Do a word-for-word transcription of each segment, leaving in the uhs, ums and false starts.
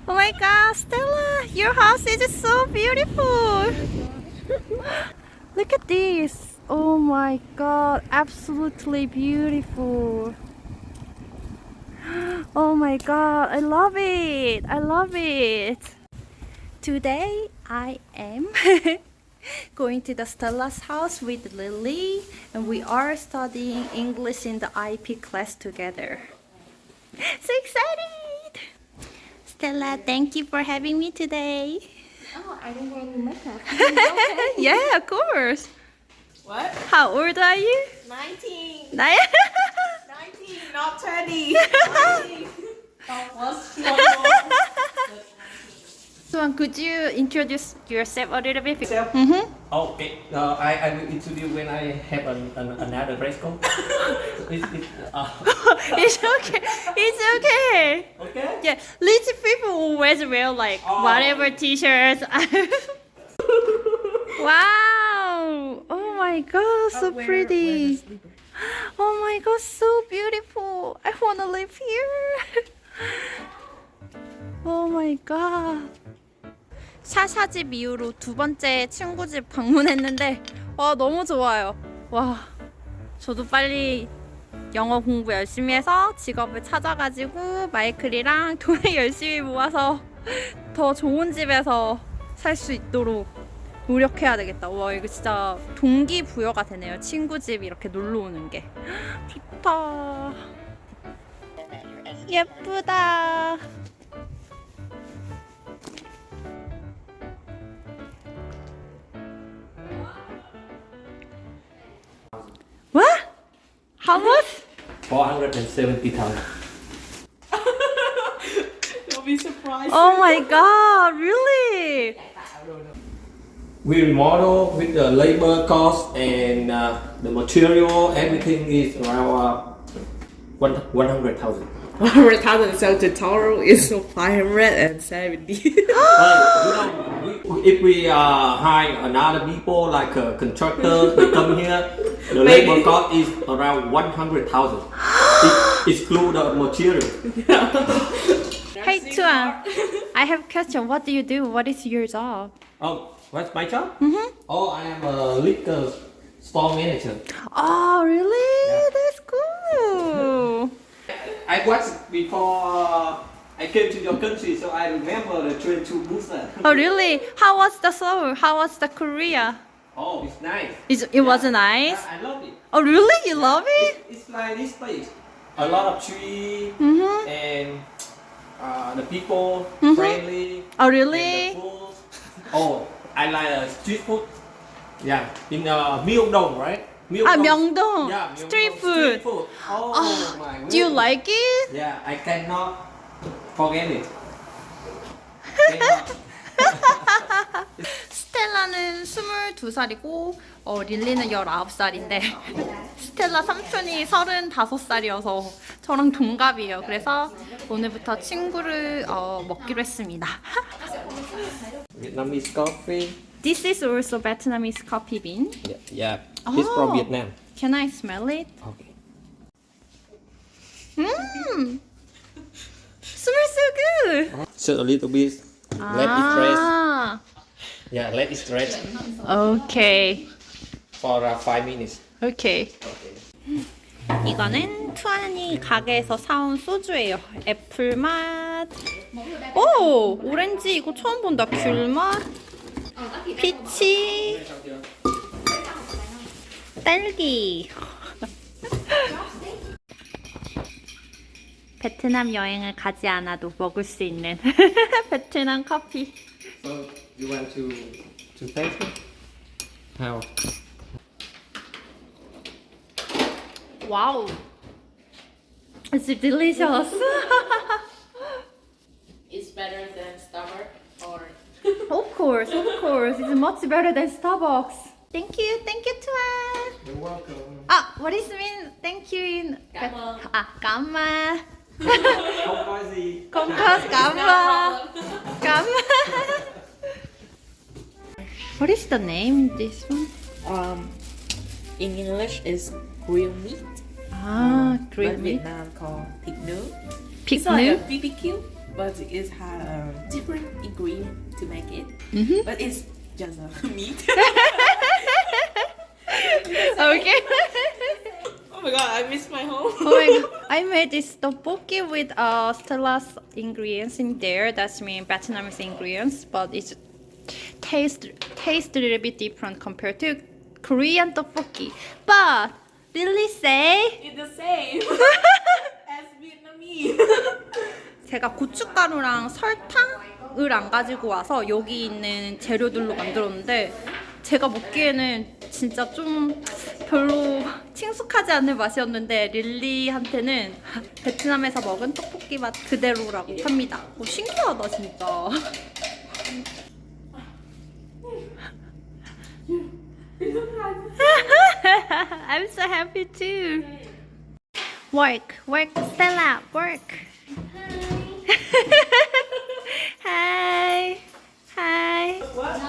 Oh my god, Stella, your house is so beautiful. Look at this. Oh my god, absolutely beautiful. Oh my god, I love it. I love it. Today I am going to the Stella's house with Lily, and we are studying English in the I P class together. So excited! Stella, thank you for having me today. Oh, I didn't wear any makeup. Yeah, of course. What? How old are you? nineteen. Nine. nineteen, not twenty. nineteen. Oh, plus one more. So, could you introduce yourself a little bit? Myself? Mm-hmm. Okay, uh, I, I will introduce when I have an, an, another dress code. it's, it's, uh, It's okay. It's okay. okay? Yeah, rich people always wear like Oh. whatever t-shirts. Wow! Oh my god, so pretty. Oh my god, so beautiful. I wanna live here. Oh my god. 샤샤 집 이후로 두 번째 친구 집 방문했는데 와 너무 좋아요. 와 저도 빨리 영어 공부 열심히 해서 직업을 찾아가지고 마이클이랑 돈을 열심히 모아서 더 좋은 집에서 살 수 있도록 노력해야 되겠다. 와 이거 진짜 동기부여가 되네요. 친구 집 이렇게 놀러 오는 게 좋다. 예쁘다. What? How much? four hundred seventy thousand. You'll be surprised. Oh my god, really? We remodel with the labor cost and uh, the material, everything is around uh, one, one hundred thousand. one hundred thousand, so the total is five hundred seventy. Uh, you know, we, if we uh, hire another people like a contractor, they come here, the Maybe. labor cost is around one hundred thousand. It exclude the material. Hey Tuan, I have a question. What do you do? What is your job? Oh, what's my job? Mm-hmm. Oh, I am a liquor store manager. Oh, really? Yeah. That's cool. I watched before uh, I came to your country, so I remember the train to Busan. Oh, really? How was the Seoul? How was the Korea? Oh, it's nice. Is it was nice? I, I love it. Oh, really? You love it? It's, it's like this place. A lot of tree Mm-hmm. and uh, the people Mhm. friendly. Oh, And really? the food. Oh, I like uh, street food. Yeah, in uh, Myeongdong, right? Ah, Myeongdong. Yeah, Myeongdong. Street food. Street food. Oh, Oh, my. Do you goodness. like it? Yeah, I cannot forget it. Cannot. 스텔라는 스물두 살이고 어, 릴리는 열아홉 살인데 스텔라 삼촌이 서른다섯 살이어서 저랑 동갑이에요. 그래서 오늘부터 친구를 어, 먹기로 했습니다. Vietnamese coffee. This is also Vietnamese coffee bean. Yeah, yeah. It's Oh. from Vietnam. Can I smell it? Okay. Mmm! Smells so good! So a little bit. Let it rest. 아, Yeah, let it rest 오케이. for uh, five minutes. 오케이. Okay. 이거는 투안이 가게에서 사온 소주예요. 애플 맛. 오! 오렌지 이거 처음 본다. 귤 맛. 피치. 딸기. 베트남 여행을 가지 않아도 먹을 수 있는 베트남 커피. So you want to to taste it? How? Wow. It's delicious. It's better than Starbucks or Of course, of course. It's much better than Starbucks. Thank you, thank you, Tuan. You're welcome. Ah, what is mean thank you in? Cảm ơn. Ah, cảm ơn. Không có gì. Không có cảm ơn. Cảm ơn. What is the name this one? um in English is grilled meat. Ah, But grilled meat. Vietnam called thịt nướng. Pig It's like a nướng. B B Q. but it has um, different ingredient to make it. But it's just a meat. Okay. Oh my god, I missed my home. Oh my god. I made this tteokbokki with uh, Stella's ingredients in there. That's mean Vietnamese ingredients, but it's taste taste a little bit different compared to Korean tteokbokki. But really say It's the same as Vietnamese. 제가 고춧가루랑 설탕을 안 가지고 와서 여기 있는 재료들로 만들었는데 제가 먹기에는 진짜 좀 별로 친숙하지 않은 맛이었는데 릴리한테는 베트남에서 먹은 떡볶이 맛 그대로라고 합니다. 오, 신기하다 진짜. I'm so happy too. Work, work, Stella, work. Hi. Hi.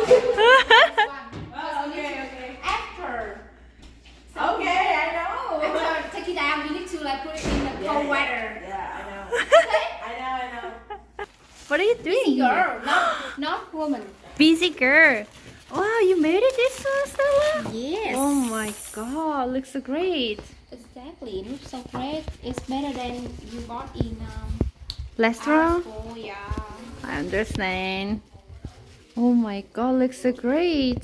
Okay, I know. After take it down, you need to like put it in the cold water. Yeah, I know. I know, I know. What are you doing? Girl, not not woman. Busy girl. Wow, you made it this one, Stella? Yes. Oh my god, looks so great. Exactly. It looks so great. It's better than you bought in um. Restaurant? Oh yeah. I understand. Oh my god, looks so great.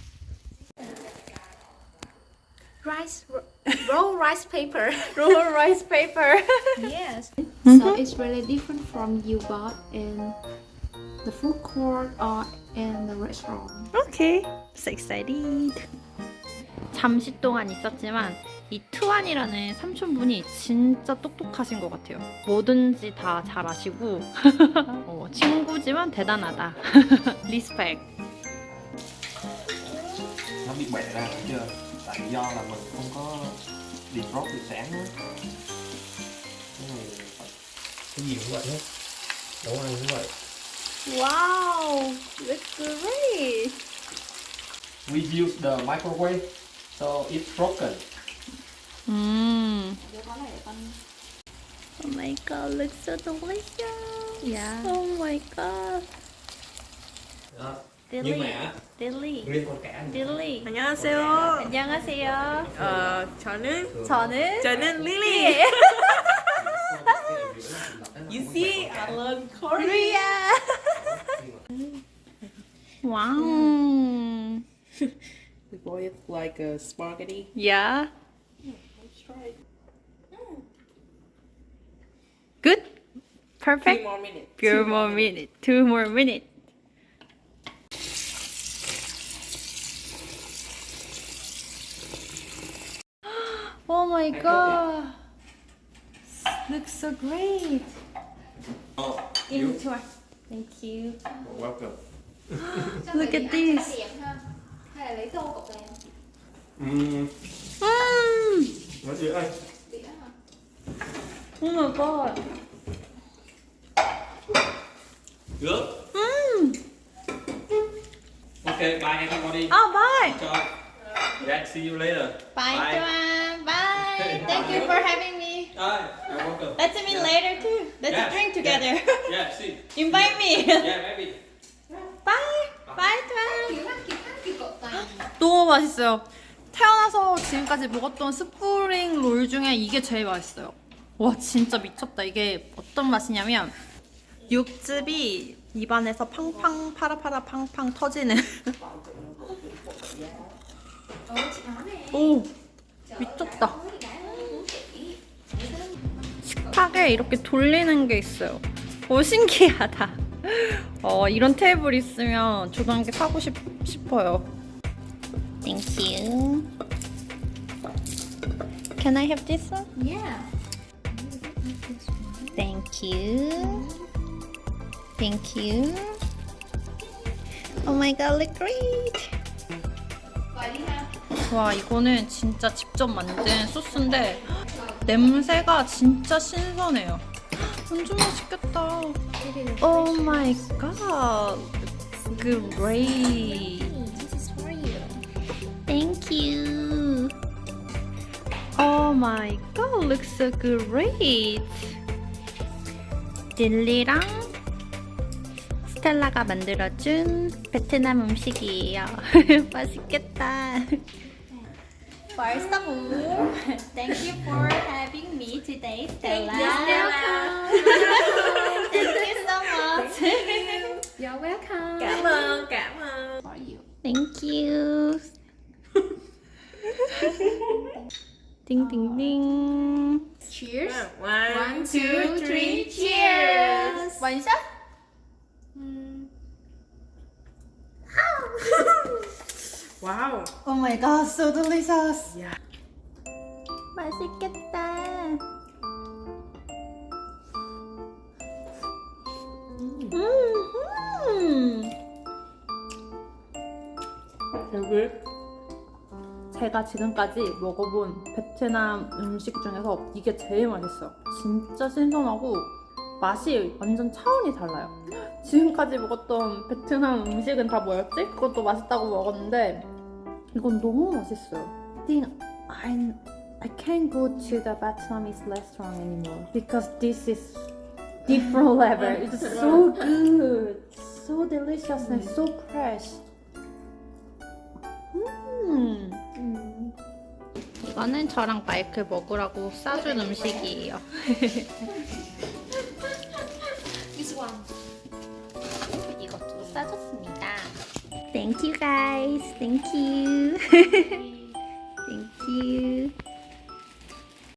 Rice ro- roll rice paper. Roll rice paper. Yes. So it's really different from you bought in the food court or in the restaurant. Okay, so excited. 잠시 동안 있었지만 이 투안이라는 삼촌분이 진짜 똑똑하신 것 같아요. 뭐든지 다 잘 아시고 어, 친구지만 대단하다. 리스펙. Nó bị bể ra thấy chưa? Tại do là mình không có defrost buổi sáng á. Cái này phải- cái gì cũng vậy hết. Nấu ăn cũng vậy. Wow, looks great. We use the microwave, so it's broken. 음. Oh my god, looks so delicious. Yeah. Oh my god. Đó. Dilly. Nhưng mà á, Dilly. riêng con cá này Dilly. 안녕하세요. 안녕하세요. 어, 저는 저는 저는 Lily. You see, I learned Korean. Korea. Wow. We boil like a spaghetti. Yeah. Let's try it. Good. Three Perfect. more minutes. Few more minutes. Two more minutes. Oh my god. Looks so great. Oh, Enjoy. Thank you. welcome. Look at this. Hay là lấy tô cục này? Ừm, Mm. nói gì ơi? Đĩa hả? Oh my god. Good. Mm. Okay, bye everybody. Oh, bye. Enjoy. Yeah, see you later. Bye, Joanne. Bye. Thank you for having me. Bye. You're welcome. Let's meet later too. Let's Yeah, drink together. Yeah, yeah, see. Invite me. Yeah, maybe. Bye. Bye, Joanne. Kiểu lắc kiểu lắc kiểu cột này. 너무 맛있어요. 태어나서 지금까지 먹었던 스프링 롤 중에 이게 제일 맛있어요. 와 진짜 미쳤다. 이게 어떤 맛이냐면 육즙이 입안에서 팡팡 파라파라 팡팡 터지는. Ủa chị nói nè. 오 미쳤다. 식탁에 이렇게 돌리는 게 있어요. 오 신기하다. 어 이런 테이블 있으면 저도 한 개 사고 싶, 싶어요. Thank you. Can I have this one? Yeah. Thank you. Thank you. Oh my god, look great. Vậy đi ha. 와 이거는 진짜 직접 만든 소스인데 냄새가 진짜 신선해요. 완전 맛있겠다. Oh my god, great. This is for you. Thank you. Oh my god, looks so great. 딜리랑 스텔라가 만들어준 베트남 음식이에요. 맛있겠다. First of all, thank you for having me today, Stella. Thank you so much. You're welcome. Cảm ơn, cảm ơn. For you. Thank you. Ding ding ding. Cheers. One, One, two, three, cheers. One shot. Wow. Oh my god, so delicious. Yeah. 맛있겠다. 음. 여기 제가 지금까지 먹어본 베트남 음식 중에서 이게 제일 맛있어요. 진짜 신선하고 맛이 완전 차원이 달라요. 지금까지 먹었던 베트남 음식은 다 뭐였지? 그것도 맛있다고 먹었는데 이건 너무 맛있어요. I think I, I can't go to the Vietnamese restaurant anymore because this is different level. It's so good, so delicious and so fresh. 음. 이거는 저랑 마이클 먹으라고 싸준 음식이에요. This one. 이것도 싸줬습니다. Thank you guys. Thank you.